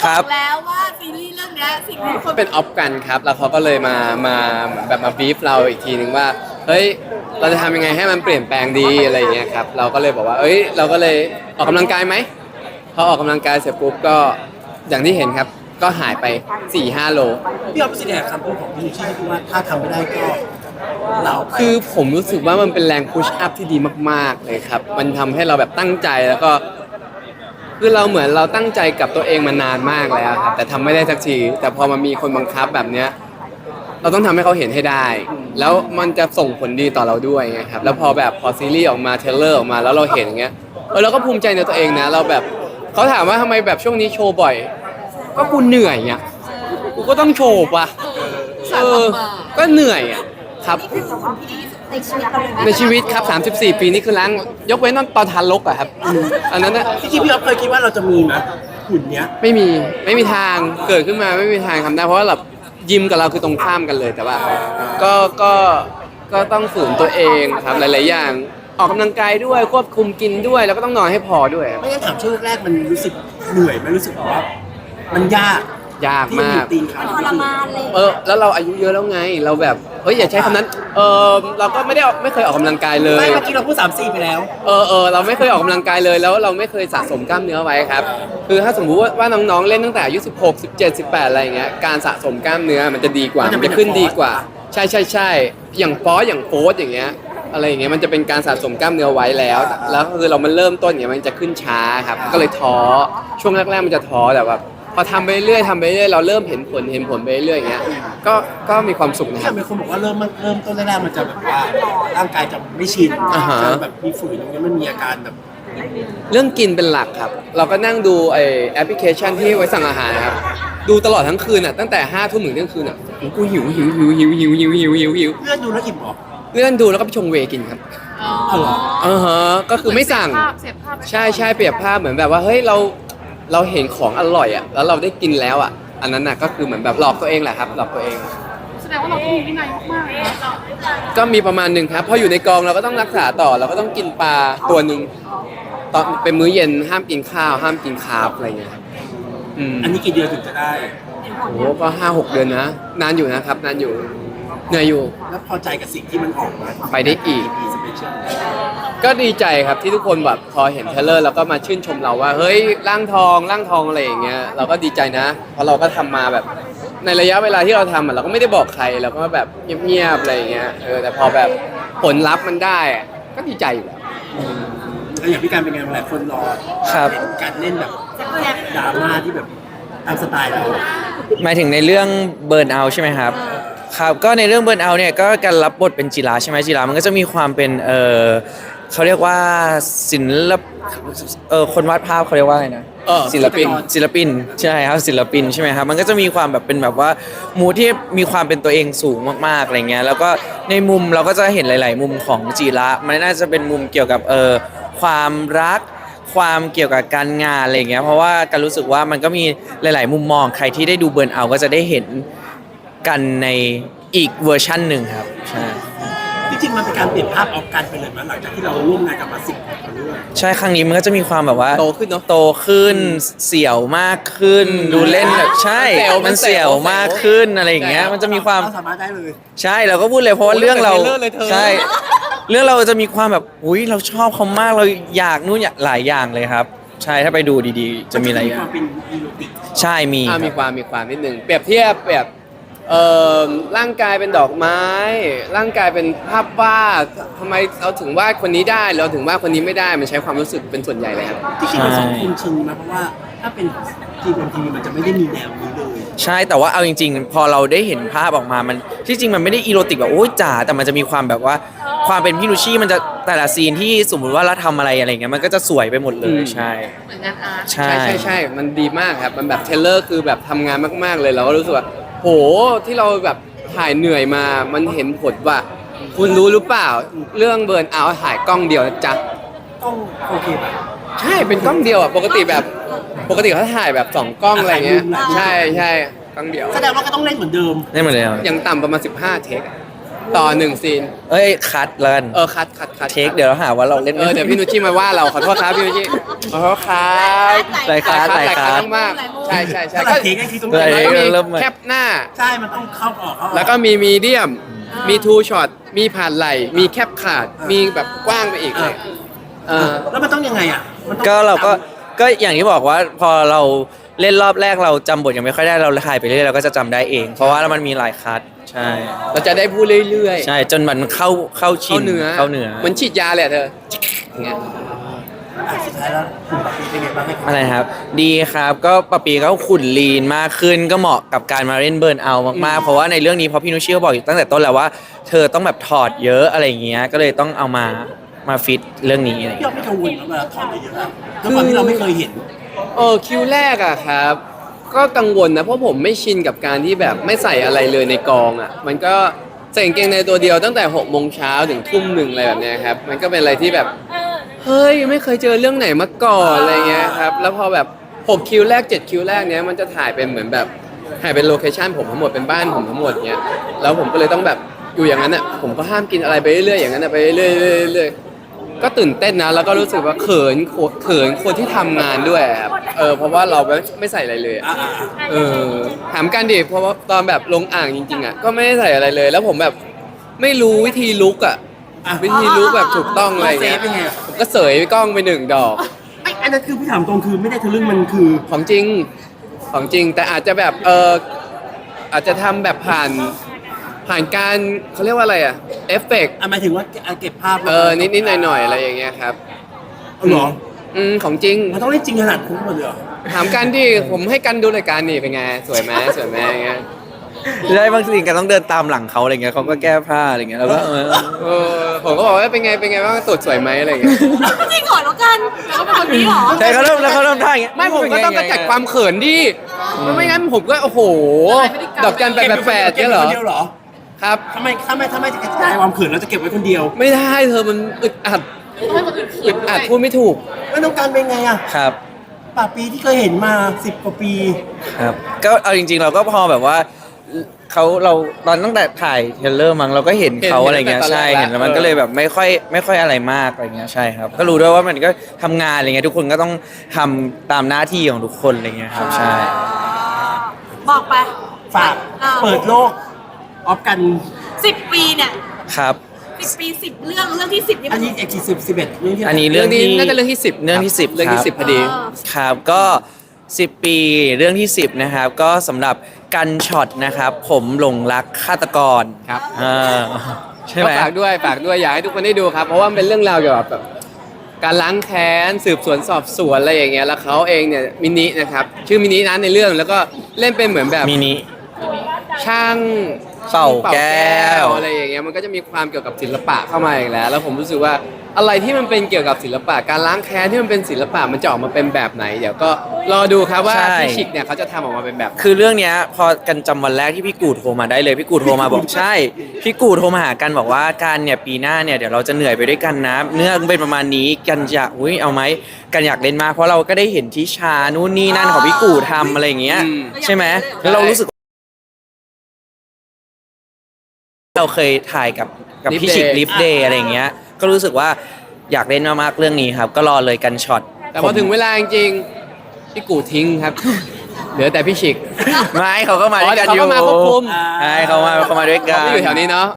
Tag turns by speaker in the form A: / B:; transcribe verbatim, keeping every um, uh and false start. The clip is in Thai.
A: ครับ
B: อกแล้วว่าซีรีส์เรื่องเนี้ยสิ่งที่คน
C: เป็นออฟกันครับแล้วเขาก็เลยมามาเหมือนแบบมาบีฟเราอีกทีนึงว่าเฮ้ยเราจะทำยังไงให้มันเปลี่ยนแปลงดีอะไรอย่างเงี้ยครับเราก็เลยบอกว่าเอ้ยเราก็เลยออกกำลังกายไหมพอออกกำลังกายเสร็จปุ๊บก็อย่างที่เห็นครับก็หายไป สี่ห้า โล
D: พี่อ๊อฟสิแดกคำพูดของพี่ชี่ที่ว่าถ้าทำไม่ได้ก็เราไป
C: คือผมรู้สึกว่ามันเป็นแรงพุชอัพที่ดีมากๆเลยครับมันทำให้เราแบบตั้งใจแล้วก็คือเราเหมือนเราตั้งใจกับตัวเองมานานมากแล้วครับแต่ทำไม่ได้สักทีแต่พอมันมีคนบังคับแบบเนี้ยเราต้องทำให้เขาเห็นให้ได้ แล้วมันจะส่งผลดีต่อเราด้วยไงครับแล้วพอแบบพอซีรีส์ออกมาเทรลเลอร์ออกมาแล้วเราเห็นอย่างเงี้ยเออเราก็ภูมิใจในตัวเองนะเราแบบเขาถามว่าทำไมแบบช่วงนี้โชว์บ่อย ก็กูเหนื่อยอ่ะกูก็ต้องโชว์ป่ะเออก็เหนื่อยอ่ะครับ
B: นี่คือสิ่งที่ดีที่สุดในชีวิตเราเลยนะ
C: ในชีวิตครับ สามสิบสี่ ปีนี่คือล้างยกเว้นตอนทานลกอะครับอันนั้นนะ
D: พี่ชี่พี่อ๊อฟเคยคิดว่าเราจะมีไหมหุ่นเนี้ย
C: ไม่มีไม่มีทางเกิดขึ้นมาไม่มีทางทำได้เพราะว่าแบบยิมกับเราคือตรงข้ามกันเลยแต่ว่าก็ก็ก็ต้องฝืนตัวเองครับหลายๆอย่างออกกำลังกายด้วยควบคุมกินด้วยแล้วก็ต้องนอนให้พอด้วย
D: ไม่งั้นถามช่วงแรกๆมันรู้สึกเหนื่อยไหมรู้สึกว่ามันยาก
C: ยาก
D: ที่
C: มาก
D: ตีนขา
B: ทรมานเลย
C: เออแล้วเราอายุเยอะแล้วไงเราแบบเฮ้ยอย่าใช้คำนั้นเออเราก็ไม่ได้ออกไม่เคยออกกำลังกายเลย
D: ไม่เมื่อกี้เราพูดสามสี่ไปแล้ว
C: เออเออเราไม่เคยออกกำลังกายเลยแล้วเราไม่เคยสะสมกล้ามเนื้อไว้ครับคือถ้าสมมุติว่าน้องๆเล่นตั้งแต่อายุสิบหก สิบเจ็ด สิบแปดอะไรอย่างเงี้ยการสะสมกล้ามเนื้อมันจะดีกว่า
D: มันจะ
C: มัน
D: เป็น
C: จะขึ้น
D: อย่าง
C: ดีกว่า ใช่ใช่ใช่อย่างฟอสอย่างโฟสอย่างเงี้ยอะไรอย่างเงี้ยมันจะเป็นการสะสมกล้ามเนื้อไว้แล้วแล้วคือเรามันเริ่มต้นอย่างเงี้ยมันจะขึ้นช้าครับก็เลยท้อช่วงแรกๆมันจะท้อแต่แบบพอทำไปเรื่อยทำไปเรื่อยเราเริ่มเห็นผลเห็นผลไปเรื่อยอย่างเงี้ยก็ก็มีความสุขนะค
D: แต่
C: รับ
D: มีคนบอกว่าเริ่มมันเริ่มต้นแรกๆมันจะแบบว่าร่างกายจะไม่ชิน
C: อ่าฮะ
D: จะแบบมีฝืนตรงนี้มันมีอาการแบบ
C: เรื่องกินเป็นหลักครับ เราก็นั่งดูไอแอปพลิเคชันที่ไว้สั่งอาหารนะครับ ดูตลอดทั้งคืนอ่ะ ตั้งแต่ห้าทุ่มถึงเที่ยงคืนอ่ะโอ้โหกูหิวหิวหิวหิวหิวหิวหิวหิวหิว
D: เลื่อนดูแล้วอิ่มเหรอ
C: เลื่อนดูแล้วก็ไปชงเวย์กินครับ
D: เอาเหรอ
C: อ่าฮะ ก็คือไม่สั่ง
B: เสียภาพ
C: ใช่ใช่เปรียบภาพเหมือนแบบว่า เฮ้ย เรา เราเห็นของอร่อยอ่ะ แล้วเราได้กินแล้วอ่ะ อันนั้นน่ะก็คือเหมือนแบบหลอกตัวเองแหละครับ หลอกตัวเอง
B: แสดงว่าเราต้องมีวินัยมากๆเลยนะ
C: ก็มีประมาณหนึ่งครับ พออยู่ในกองเราก็ต้องรักษาต่อ เราก็ต้องกินปลาตัวหนึ่งตอนเป็นมื้อเย็นห้ามกินข้าว ห้ามกินคาร์บอะไรเงี้ยครับอืม
D: อันนี้กี่เดือนถึงจะได้
C: โอ้ก็ห้าหกเดือนนะ นานอยู่นะครับ นานอยู่เหนื่อยอยู่
D: แล้วพอใจกับสิ่งที่มันออกมา
C: ไปได้อีก
D: สเปเชียล
C: ก็ดีใจครับที่ทุกคนแบบพอเห็นเทรลเลอร์แล้วก็มาชื่นชมเราว่า เฮ้ยร่างทองร่างทองอะไรอย่างเงี้ยเราก็ดีใจนะ เพราะเราก็ทำมาแบบในระยะเวลาที่เราทำอะเราก็ไม่ได้บอกใครเราก็แบบเงียบๆอะไรอย่างเงี้ยเออแต่พอแบบผลลัพธ์มันได้อะก็ดีใจอยู่แล้ว
D: แล้วอย่างพี่การเป็นไงหลายคนรอ
A: ครับ
D: เห็นการเล่นแบบดราม่าที่แบบตามสไตล์เรา
A: หมายถึงในเรื่องเบิร์นเอาใช่ไหมครับครับก็ในเรื่องเบิร์นเอาเนี่ยก็การรับบทเป็นจิราใช่ไหมจิรามันก็จะมีความเป็นเออเขาเรียกว่าศิลปเออคนวาดภาพเขาเรียกว่าอะไรนะ
C: เออ
A: ศิลปินศิลปินใช่ครับศิลปินใช่ไหมครับมันก็จะมีความแบบเป็นแบบว่ามูที่มีความเป็นตัวเองสูงมากๆอะไรเงี้ยแล้วก็ในมุมเราก็จะเห็นหลาย ๆ มุมของจิระมันน่าจะเป็นมุมเกี่ยวกับเออความรัก ความเกี่ยวกับการงานอะไรอย่างเงี้ยเพราะว่าการรู้สึกว่ามันก็มีหลาย ๆ มุมมองใครที่ได้ดูเบิร์นเอาก็จะได้เห็นกันในอีกเวอร์ชั่นหนึ่งครับใช่
D: จริงๆมันเป็นการเปลี่ยนภาพออกกันไปเลยมั้ยหลังจากที่เราร่วมงานกับมาสิบกว่าเรื่อง
A: ใช่ครั้งนี้มันก็จะมีความแบบว่า
C: โตขึ้นเนอะ
A: โตขึ้นเสี่ยวมากขึ้น ดูเล่นแบบใช่
C: มั
A: มัน
C: นเสี่
A: เสี่ย
C: ยว ว
A: มากขึ้นอะไรอย่างเงี้ย
C: ใช่ครับ
A: มันจะมีความ
D: เราสามารถได้เลย
A: ใช่เราก็พูดเลยเพราะว่า
C: โอ้ย
A: เรื่องเรา
C: ตั้งแต่เทรลเลอร์เลยเธอ
A: ใช่เรื่องเราจะมีความแบบอุ้ยเราชอบเขามากเราอยากนู่นอยากหลายอย่างเลยครับ ใช่ถ้าไปดูดีๆ จะมีหลายอย่าว
D: คาง มเป็นอีโรติก
A: ใช่มี
C: อ่า
A: ครับ
C: มีความมีความนิดนึงเปรียบเทียบแบบเอ่อร่างกายเป็นดอกไม้ ร่างกายเป็นภาพวาดทำไมเราถึงวาดคนนี้ได้เราถึงวาดคนนี้ไม่ได้มันใช้ความรู้สึกเป็นส่วนใหญ่เลยครับ
D: ที่จริงมันสองคนชินนะเพราะว่าถ้าเป็นทีมทีวีมันจะไม่ได้มีแนวนี้เลย
A: ใช่แต่ว่าเอาจริงๆ พอเราได้เห็นภาพออกมามันที่จริงมันไม่ได้อีโรติกแบบโอ้ยจ๋าแต่มันจะมีความแบบว่าความเป็นพี่นุชชี่มันจะแต่ละซีนที่สมมุติว่าเราทำอะไรอะไรเงี้ยมันก็จะสวยไปหมดเลย
C: อืม
A: ใช่
B: เหมือนงานอาร์ต
A: ใช่
C: ใช่ใช่ใช่มันดีมากครับ มันแบบเทรลเลอร์คือแบบทำงานมากๆเลย เราก็รู้สึกว่า โห ที่เราแบบถ่ายเหนื่อยมา มันเห็นผลว่า คุณรู้หรือเปล่า เรื่องเบิร์นเอาท์ถ่ายกล้องเดียวนะจ๊ะ
D: ต้องโอเคแบบ
C: ใช่ เป็นกล้องเดียวอ่ะ ปกติแบบ ปกติเขาถ่ายแบบสองกล้องอะไรเงี้ย ใช่ใช่กล้องเดียว
D: แสดงว่าก็ต้องเล่นเหมือนเดิม
A: ได้หมดเลยครับ
C: อย่างต่ำประมาณสิบห้าเทคอะ
D: อ
C: ต่อหนึ่งซีน
A: เอ้ยคัดแล้วกัน
C: เออคัดคัดคัด
A: เทคเดี๋ยวเราหาว่าเราเล่น
C: เออเดี๋ยวพี่นุชชี่มาว่าเราขอโทษครับพี่นุชชี่ขอโทษครับ
A: หลายคัดหลายคัด
C: มากๆใช่ใช่ใช่
D: ถ้าเราเทคไอ้ที่ตรง
A: หลาย
D: นี้
C: แล้วก็มี
A: เริ่มใหม่
C: แคปหน้า
D: ใช่มันต้องเข้าออกเข้าออก
C: แล้วก็มีมีเดียม มีทูช็อต มีผ่านไหล มีแคปขาด มีแบบกว้างไปอีกเลยเออ
D: แล้วมันต้องยังไงอ่ะมันต้อง
A: ก็เราก็ก็อย่างที่บอกว่าพอเราเล่นรอบแรกเราจำบทยังไม่ค่อยได้เราถ่ายไปเรื่อยเราก็จะจำได้เอง เพราะว่ามันมีหลายคัดใช่
C: เราจะได้พูดเรื่อยๆ
A: ใช่จนมันเข้าเข้าชิ
C: เข้าน เนื้อ
A: เข้าเนื้อ
C: เหมือนฉีดยาเลยอะเธออย่างเงี้ย
D: อ่ะสุดท้ายแล้วคุณปาปีเป็นไงบ้างให้
A: อะไรครับ ดีครับก็ปะปีก็ขุ่นลีนมากขึ้นก็เหมาะกับการมาเล่นเบิร์นเอามากๆเพราะว่าในเรื่องนี้เพราะพี่นุชชี่เขาบอกอยู่ตั้งแต่ต้นแล้วว่าเธอต้องแบบถอดเยอะอะไรอย่างเงี้ยก็เลยต้องเอามามาฟิตเรื่องนี้อะไรอย่าง
D: พี่
A: เงี้ย
D: เราไม่กังวลนะเวลาถอดเยอะๆอะด้วยความที่เราไม่เคยเห็น
C: เออคิวแรกอะครับ ก็กังวลนะเพราะผมไม่ชินกับการที่แบบไม่ใส่อะไรเลยในกองอะมันก็ใส่กางเกงในตัวเดียวตั้งแต่หกโมงเช้าถึงทุ่มหนึ่งอะไรแบบเนี้ยครับมันก็เป็นอะไรที่แบบเฮ้ยไม่เคยเจอเรื่องไหนมาก่อนอะไรเงี้ยครับแล้วพอแบบหกคิวแรกเจ็ดคิวแรกเนี้ยมันจะถ่ายเป็นเหมือนแบบถ่ายเป็นโลเคชั่นผมทั้งหมดเป็นบ้านผมทั้งหมดเนี้ยแล้วผมก็เลยต้องแบบอยู่อย่างนั้นอะผมก็ห้ามกินอะไรไปเรื่อยๆอย่างนั้นอะไปเรื่อยๆเรื่อยๆก็ตื่นเต้นนะแล้วก็รู้สึกว่าเขินเขินคนที่ทำงานด้วยครับเออเพราะว่าเราไม่ไม่ใส่อะไรเลยอะ
D: อ่า
C: เออถามกันดิเพราะว่าตอนแบบลงอ่างจริงๆอ่ะก็ไม่ได้ใส่อะไรเลย แล้วผมแบบไม่รู้วิธีลุกอ่ะ
D: อ่ะ
C: วิธีลุกแบบถูกต้องอะไร
D: เซ
C: เงี้
D: ฟ
C: ย
D: ยังไง
C: ผมก็เสยกล้องไปหนึ่งดอก
D: ไอ้อันนั้นคือพี่ถามตรงคือไม่ได้ทะลึ่งมันคือ
C: ของจริงของจริงแต่อาจจะแบบเอออาจจะทำแบบผ่านผ่านการเขาเรียกว่าอะไรอ่ะเอฟเฟกต์
D: อ่ะหมายถึงว่าเก็บภาพ
C: เออนิดๆหน่อยๆอะไรอย่างเงี้ยครับ
D: เอาเหรอ
C: อืมของจริง
D: มันต้องเล่นจริงขนาดคุ้มหมดเลยเหรอ
C: ถามกันดิผมให้กันดูรายการนี่เป็นไงสวยไหมสวยไหมอย่างเงี้ย
A: ใช่บางทีกันต้องเดินตามหลังเขาอะไรเงี้ยเขาก็แก้ผ้าอะไรเงี้ยแล้วก็เออ
C: เออผมก็บอกว่าเป็นไงเป็นไงบ้างตรวจสวยไหมอะไรอย่างเงี้ย
B: จริงเหรอแล้วกันแล้วก็เป็นคนนี้เหรอ
A: ใช่เขาเริ่มแล้วเขาเริ่มท่าอย่างเงี้ย
C: ไม่ผมก็ต้องกระจัดความเขินดิมันไม่งั้นผมก็โอ้โห ดอกจันแปดแปดแปด
D: เก็บ
C: เนี่ยเหรอ
D: ไว้คนเดียวเหรอ
C: ครับ
D: ทำไมถ้าไม่ถ้าไม่จะกระจายความเขินเราจะเก็บไว้คนเดียว
C: ไม่ได้เธอมันอึดอัด
B: ให้คนอื่นเขิ
C: อึ
B: น
C: ด
B: ด้ว
C: อัด
B: ย
C: พูดไม่ถูก
D: ไม่ต้องการเป็นไงอ่ะ
A: ครับ
D: ป่าปีที่เคยเห็นมาสิบกว่าปี
A: ครับก็เอาจริง ๆ เราก็พอแบบว่าเขาเราตอนตั้งแต่ถ่ายเทรลเลอร์มั้งเราก็เห็นเขา
C: เห็น
A: อะไรเงี้ย
C: ตั้งแต่ตอน
A: ใช่
C: แรก
A: เห็นแล้วมัน
C: เออ
A: ก็เลยแบบไม่ค่อยไม่ค่อยอะไรมากอะไรเงี้ยใช่ครับ ก็รู้ด้วยว่ามันก็ทำงานอะไรเงี้ยทุกคนก็ต้องทำตามหน้าที่ของทุกคนอะไรเงี้ยครับใช่
B: บอกไป
D: ฝากเปิดโลกออฟกัน
B: สิบปีเนี่ย
A: ครับ
B: สิบปีสิบเรื่องเรื่องที่สิบนี่
D: อั
B: มัน น
D: นี้เอ็กซ์สิบสิบเอ็ดเรื่องที่
A: อันนี้
C: เรื่
A: เรื่
C: อ
A: อง ง
C: นี้
A: ที่
C: น่าจะเรื่องที่สิบ
A: เรื่องที่สิบ
C: เรื่องที่
A: ครับ
C: สิบพอดี
A: ครับก็สิบปีเรื่องที่สิบนะครับก็สำหรับกันช็อตนะครับผมหลงรักฆาตกร
C: ครับ
A: อ่าใช่ไห
C: ก็
A: ม
C: ฝากด้วยฝากด้วยอยากให้ทุกคนได้ดูครับ เพราะว่ามันเป็นเรื่องราวเกี่ยวกับแบบการล้างแค้นสืบสวนสอบสวนอะไรอย่างเงี้ยแล้วเขาเองเนี่ยมินินะครับชื่อมินินั้นในเรื่องแล้วก็เล่นเป็นเหมือนแบบ
A: มินิ
C: ช่าง
A: เป่าแก้ว
C: อะไรอย่างเงี้ยมันก็จะมีความเกี่ยวกับศิลปะเข้ามาอีกแล้ว แล้วผมรู้สึกว่าอะไรที่มันเป็นเกี่ยวกับศิลปะการล้างแค้นที่มันเป็นศิลปะมันจะออกมาเป็นแบบไหน เดี๋ยวก็รอดูครับว่า
A: ใช่
C: พี่ชิกเนี่ยเขาจะทำออกมาเป็นแบบไหน
A: คือเรื่องเนี้ยพอกันจำวันแรกที่พี่กูโทรมาได้เลยพี่กูโทรมาบอกใช่พี่กูโทรมาหากันบอกว่ากันเนี่ยปีหน้าเนี่ยเดี๋ยวเราจะเหนื่อยไปด้วยกันนะเนื้อเป็นประมาณนี้กันจะอุ้ยเอาไหมกันอยากเล่นมากเพราะเราก็ได้เห็นที่ชานู่นนี่นั่นของพี่กูทำอะไรอย่างเงี้ย
C: อืม
A: ใช่ไหมแล้วเรารู้สึกเราเคยถ่ายกับกับ
C: Lift
A: พี่ชิก
C: Day
A: ลิฟเดย์อะไรอย่างเงี้ยก็รู้สึกว่าอยากเล่นมากๆเรื่องนี้ครับ ก็รอเลยกันช็อต
C: แต่พอถึงเวลาจริงๆพี่กูทิ้งครับ เหลือแต่พี่ชิก
A: ไม่เขาก็มาด้วยกัน
C: อ๋อ
A: อ
C: เดี๋ยว
A: ยู่
C: เขาก็มาควบคุม
A: ใช่เขามาเขามาด้วยกั
C: เขา
A: น
C: ไม่อยู่แถวนี้เนาะ